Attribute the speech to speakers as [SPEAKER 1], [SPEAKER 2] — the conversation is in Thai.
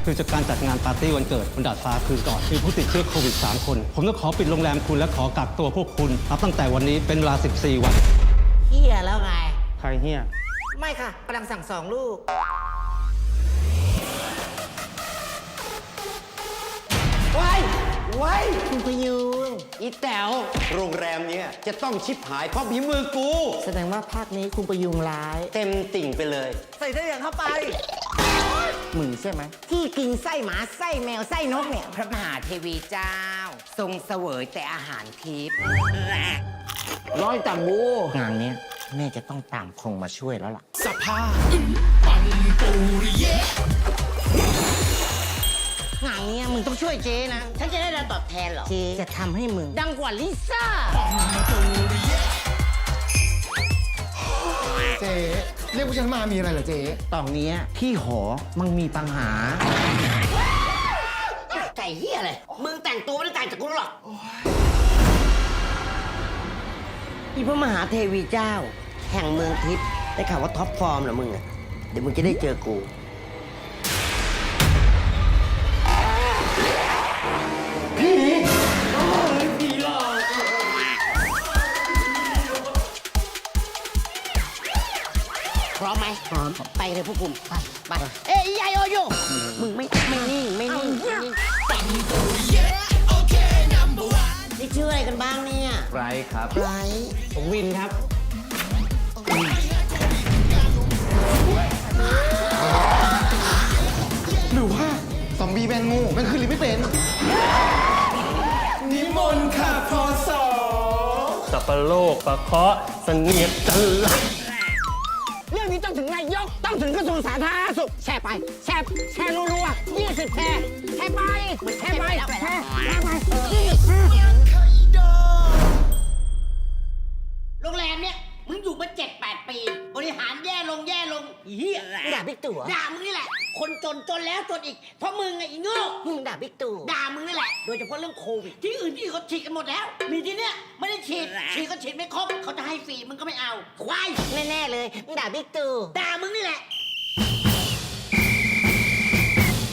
[SPEAKER 1] คือจากการจัดงานปาร์ตี้วันเกิดบนดาดฟ้าคืนก่อนมีผู้ติดเชื้อโควิด3 คน ผมต้องขอปิดโรงแรมคุณและขอกักตัวพวกคุณนับตั้งแต่วันนี้เป็นเวลา14 วัน
[SPEAKER 2] เฮียแล้วไง
[SPEAKER 1] ใครเฮีย
[SPEAKER 2] ไม่ค่ะกำลังสั่ง2 ลูกไว้คุณพยุงอีแต๋ว
[SPEAKER 3] โรงแรมเนี้ยจะต้องชิบหายเพราะฝีมือกู
[SPEAKER 2] แสดงว่าภาคนี้คุณพยุงร้าย
[SPEAKER 3] เต็มติ่งไปเลย
[SPEAKER 2] ใส่เสื้ออย่างเข้าไปมึงใช่ไหมที่กินไส้หมาไส้แมวไส้นกเนี่ยพระมหาเทวีเจ้า ทรงเสวยแต่อาหารทิพย์ร้อยตามบูงานเนี้ยแม่จะต้องตามคงมาช่วยแล้วล่ะสภาพงานเนี้ยมึงต้องช่วยเจ๊นะฉันจะได้รับตอบแทนเหรอเจ๊จะทำให้มึงดังกว่าลิซ่า
[SPEAKER 4] เจ๊เรียกพวกฉันมามีอะไรเหรอเจ๊
[SPEAKER 2] ตอนเนี้ยที่หอมันมีปัญหาไก่เฮียเลยมึงแต่งตัวไม่ได้แต่งจากกูหรอกอีพระมหาเทวีเจ้า แห่งเมืองทิพย์ได้ข่าวว่าท็อปฟอร์มเหรอมึงอะเดี๋ยวมึงจะได้เจอกูพร้อมไหมพร้อมไปเลยพวกคุณไปเอ้ยยายโอโยมึงไม่นิ่งไม่นิ่งนี่ชื่ออะไรกันบ้างเนี่ย
[SPEAKER 1] ไรครับ
[SPEAKER 2] ไร
[SPEAKER 1] ผมวินครับ
[SPEAKER 4] หรือว่าซอมบี้แมงงูแมงคืนลิ้นไม่เป็น นิมนต์ค่ะพอสอ
[SPEAKER 1] สับปะโลกปะเคาะเสนียดจันละ
[SPEAKER 2] เรื่องนี้ต้องถึงนายกต้องถึงกระทรวงสาธารณสุขแชร์ไปแชร์รัวๆ20แชร์ไปแชร์ไปโรงแรมเนี่ยมึงอยู่มา7-8 ปีบริหารแย่ลงเฮียด่าบิ๊กตู่ด่ามึงนี่แหละคนจนแล้วจนอีกเพราะมึงไงอีโง่มึงด่าบิ๊กตู่ด่ามึงนี่แหละโดยเฉพาะเรื่องโควิดที่อื่นที่เขาฉีดกันหมดแล้วมีที่เนี้ยไม่ได้ฉีดก็ฉีดไม่ครบเขาจะให้ฟรีมึงก็ไม่เอาควายแน่ๆเลยมึงด่าบิ๊กตู่ด่ามึงนี่แหละ